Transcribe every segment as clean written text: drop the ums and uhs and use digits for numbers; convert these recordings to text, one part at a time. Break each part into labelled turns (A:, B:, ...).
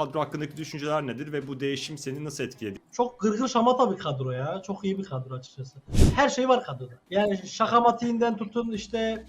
A: kadro hakkındaki düşünceler nedir ve bu değişim seni nasıl etkiledi?
B: Çok gırgır şamata bir kadro ya. Çok iyi bir kadro açıkçası. Her şey var kadroda. Yani şakamatiğinden tutun işte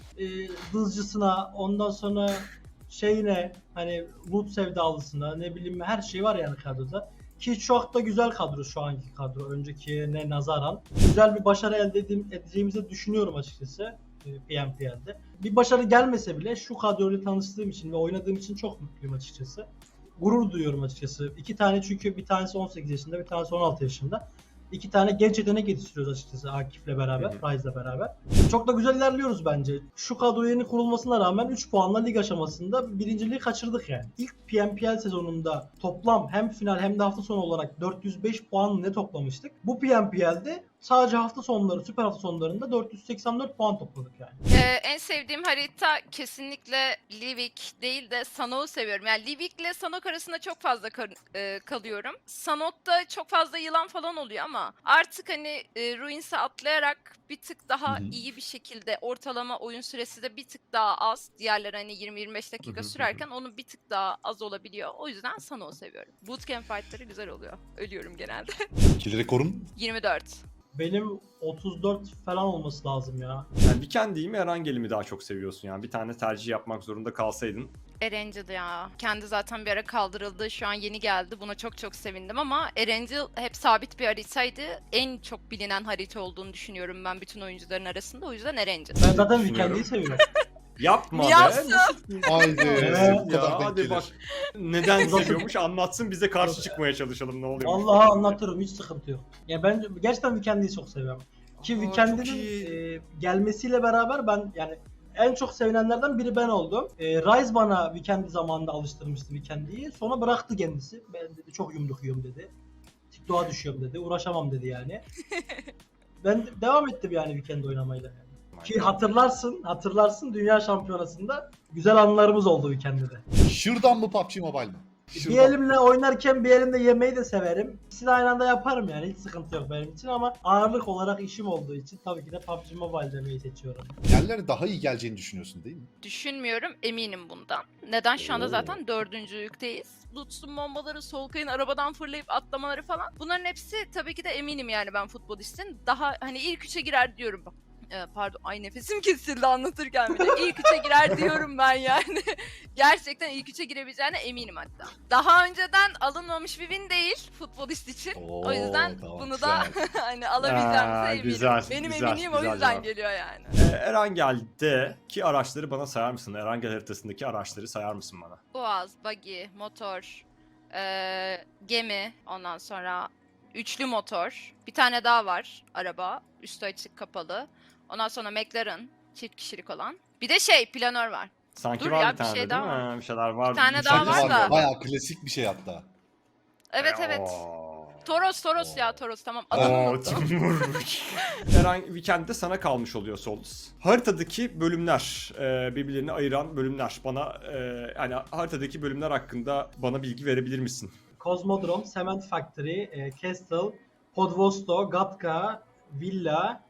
B: dızcısına, ondan sonra şeyine, hani loot sevdalısına, ne bileyim, her şey var yani kadroda. Ki çok da güzel kadro şu anki kadro, öncekine nazaran. Güzel bir başarı elde edeceğimizi düşünüyorum açıkçası PMPL'de. Bir başarı gelmese bile şu kadroyla tanıştığım için ve oynadığım için çok mutluyum açıkçası. Gurur duyuyorum açıkçası. İki tane, çünkü bir tanesi 18 yaşında, bir tanesi 16 yaşında. İki tane genç yetenek yetiştiriyoruz açıkçası Akif'le beraber, Rise'la beraber. Çok da güzel ilerliyoruz bence. Şu kadro yeni kurulmasına rağmen 3 puanla lig aşamasında birinciliği kaçırdık yani. İlk PMPL sezonunda toplam hem final hem de hafta sonu olarak 405 puan ne toplamıştık. Bu PMPL'de sadece hafta sonları, süper hafta sonlarında 484 puan topladık yani.
C: En sevdiğim harita kesinlikle Livik değil de Sanok'u seviyorum. Yani Livik ile Sanok arasında çok fazla kalıyorum. Sanok'ta çok fazla yılan falan oluyor ama artık hani Ruins'e atlayarak bir tık daha iyi bir şekilde, ortalama oyun süresi de bir tık daha az. Diğerleri hani 20-25 dakika sürerken onun bir tık daha az olabiliyor. O yüzden Sanok'u seviyorum. Bootcamp fight'ları güzel oluyor. Ölüyorum genelde.
D: Kill rekorun
C: 24.
B: Benim 34 falan olması lazım ya.
A: Yani Weekend'i mi Erangel'i mi daha çok seviyorsun yani? Bir tane tercih yapmak zorunda kalsaydın.
C: Erangel ya. Kendi zaten bir ara kaldırıldı. Şu an yeni geldi. Buna çok çok sevindim ama Erangel hep sabit bir haritaydı. En çok bilinen harita olduğunu düşünüyorum ben bütün oyuncuların arasında. O yüzden Erangel.
B: Ben zaten
A: Düşünüyorum.
B: Weekend'i seviyorum.
A: Yapma be.
C: Yapsın.
D: haydi.
B: Evet
D: Bu kadar
A: Ya
D: denk
A: hadi
D: gelir.
A: bak. Neden seviyormuş anlatsın, bize karşı çıkmaya çalışalım, ne oluyor?
B: Vallahi anlatırım, hiç sıkıntı yok. Ya ben gerçekten Weekend'i çok seviyorum. Ki
A: Aa,
B: Weekend'in
A: çok iyi.
B: gelmesiyle beraber ben yani en çok sevinenlerden biri ben oldum. Rise bana Weekend'i zamanında alıştırmıştı Weekend'i. Sonra bıraktı kendisi. Ben dedi çok yumruk yiyorum dedi. TikTok'a düşüyorum dedi. Uğraşamam dedi yani. Ben devam ettim yani Weekend oynamayla. Ki hatırlarsın Dünya Şampiyonası'nda güzel anılarımız oldu Weekend'de de.
D: Şırdan mı PUBG Mobile mi?
B: Bir
D: Şırdan.
B: elimle oynarken bir elimde yemeği de severim. İkisini aynı anda yaparım yani, hiç sıkıntı yok benim için, ama ağırlık olarak işim olduğu için tabii ki de PUBG Mobile demeyi seçiyorum.
D: Yerlere daha iyi geleceğini düşünüyorsun değil mi?
C: Düşünmüyorum, eminim bundan. Neden? Şu anda
D: Oo.
C: zaten 4. yükteyiz. Lutz'un bombaları, Solkay'ın arabadan fırlayıp atlamaları falan. Bunların hepsi tabii ki de eminim yani ben futbolistin. Daha hani ilk 3'e girer diyorum. Pardon, ay nefesim kesildi anlatırken bile. İlk 3'e girer diyorum ben yani. Gerçekten ilk 3'e girebileceğine eminim hatta. Daha önceden alınmamış bir win değil futbolist için. O yüzden
D: tamam,
C: bunu da
D: güzel.
C: hani alabileceğimize eminim.
A: Güzel,
C: Benim
A: güzel,
C: eminim o
A: güzel
C: yüzden
A: cevap.
C: geliyor yani.
A: Erangel'deki araçları bana sayar mısın? Erangel haritasındaki araçları sayar mısın bana?
C: Boğaz, buggy, motor, gemi, ondan sonra üçlü motor. Bir tane daha var araba. Üstü açık kapalı. Ondan sonra McLaren, çift kişilik olan. Bir de planör var.
A: Sanki
C: Dur
A: var
C: ya,
A: bir tane
C: bir şey
A: değil
C: daha
A: mi?
C: var.
A: Bir şeyler var.
C: Bir tane
A: Bir
C: daha
A: şey
C: var da.
D: Bayağı klasik bir şey hatta.
C: Evet evet.
A: Oo.
C: Toros ya, Toros, tamam. Adını
A: Oo,
C: unuttum.
A: Timur. Eren Weekend'de sana kalmış oluyor Solus. Haritadaki bölümler, birbirlerini ayıran bölümler. Bana yani haritadaki bölümler hakkında bana bilgi verebilir misin?
B: Cosmodrome, Cement Factory, Castle, Podvosto, Gatka, Villa,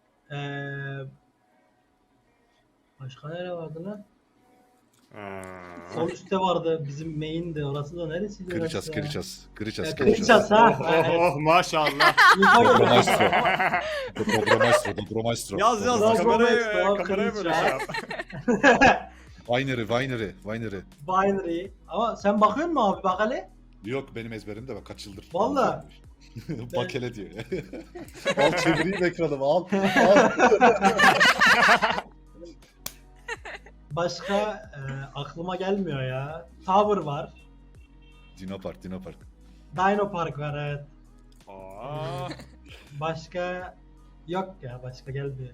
B: başka nere vardı lan? Sol üstte vardı bizim main'di, orası da neresiydi?
D: Kıracağız,
B: orası ya?
D: kıracağız. Kıracağız,
B: Kıracağız ha.
A: Oh, oh, maşallah.
D: Dobromastro. Dobromastro.
A: Yaz
B: Bravo,
A: kameraya
B: bravo,
A: kameraya böyle
B: kıracağız.
A: şey yap.
D: Winery.
B: Binary. Ama sen bakıyor musun abi, bak hele?
D: Yok benim ezberimde bak kaç yıldır.
B: Vallahi.
D: Bak hele diyor. Al çevireyim ekranımı al.
B: Başka aklıma gelmiyor ya. Tower var.
D: Dino Park.
B: Dino Park var, evet.
A: Aa,
B: Başka yok ya, başka gelmiyor.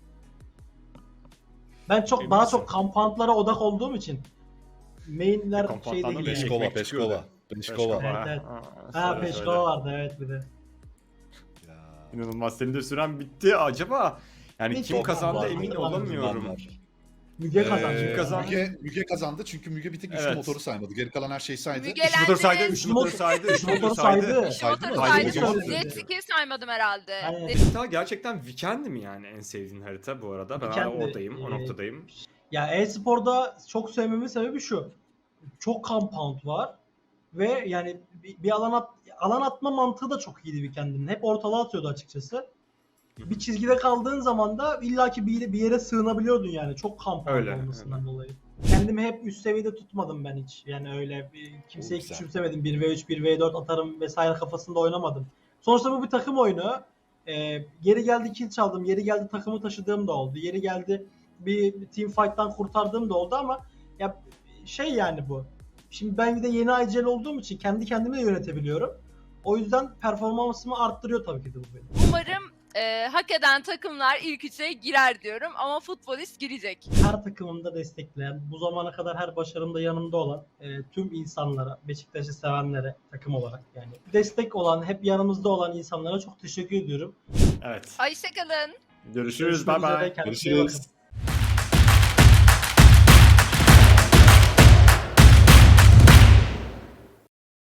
B: Ben çok
A: Emin
B: daha
A: misin?
B: çok kampantlara odak olduğum için mainler
A: Kampantlardan
B: şeyde
A: beş
B: gidiyor.
A: kol.
D: Peşkova.
B: Evet, evet. Ha,
A: söyle,
B: Peşkova
A: söyle.
B: vardı evet, bir de.
D: Ya.
A: İnanılmaz, senin de süren bitti. Acaba yani
B: Hiç
A: kim
B: yok,
A: kazandı
B: var,
A: emin
B: var,
A: olamıyorum.
D: Var.
B: Müge kazandı.
A: Kim kazandı?
D: Müge kazandı çünkü Müge bir tek üçlü
A: Evet.
D: motoru saymadı. Geri kalan her şeyi saydı.
C: Müge-
A: Üç motor saydı, üç motor saydı, üç motor saydı.
C: Şu motoru
D: Saydı mı?
C: saydım.
B: Saydı.
C: Jet ski'yi saymadım herhalde.
B: Aynen.
A: Harita gerçekten Weekend mi yani en sevdiğin harita bu arada? Ben hala
B: Weekend'di.
A: oradayım, o noktadayım.
B: Ya e-sporda çok sevmemin sebebi şu. Çok compound var Ve yani bir alan atma mantığı da çok iyiydi Weekend'in. Hep ortalığa atıyordu açıkçası. Bir çizgide kaldığın zaman da illaki bir yere sığınabiliyordun yani. Çok kamp
A: Öyle,
B: olmasından dolayı. Kendimi hep üst seviyede tutmadım ben hiç. Yani öyle kimseyi
D: Güzel.
B: küçümsemedim. 1v3, 1v4 atarım vesaire kafasında oynamadım. Sonuçta bu bir takım oyunu. Yeri geldi kill çaldım. Yeri geldi takımı taşıdığım da oldu. Yeri geldi bir team fight'tan kurtardığım da oldu ama ya şey yani bu. Şimdi ben bir de yeni IGL olduğum için kendi kendimi de yönetebiliyorum. O yüzden performansımı arttırıyor tabii ki de bu benim.
C: Umarım hak eden takımlar ilk üçe girer diyorum ama futbolist girecek.
B: Her takımımda destekleyen, bu zamana kadar her başarımda yanımda olan tüm insanlara, Beşiktaş'ı sevenlere takım olarak yani destek olan, hep yanımızda olan insanlara çok teşekkür ediyorum.
A: Evet.
C: Hoşçakalın.
A: Görüşürüz. Bye
B: Görüşmek üzere,
A: bye.
B: kendinize iyi bakın.
D: Görüşürüz.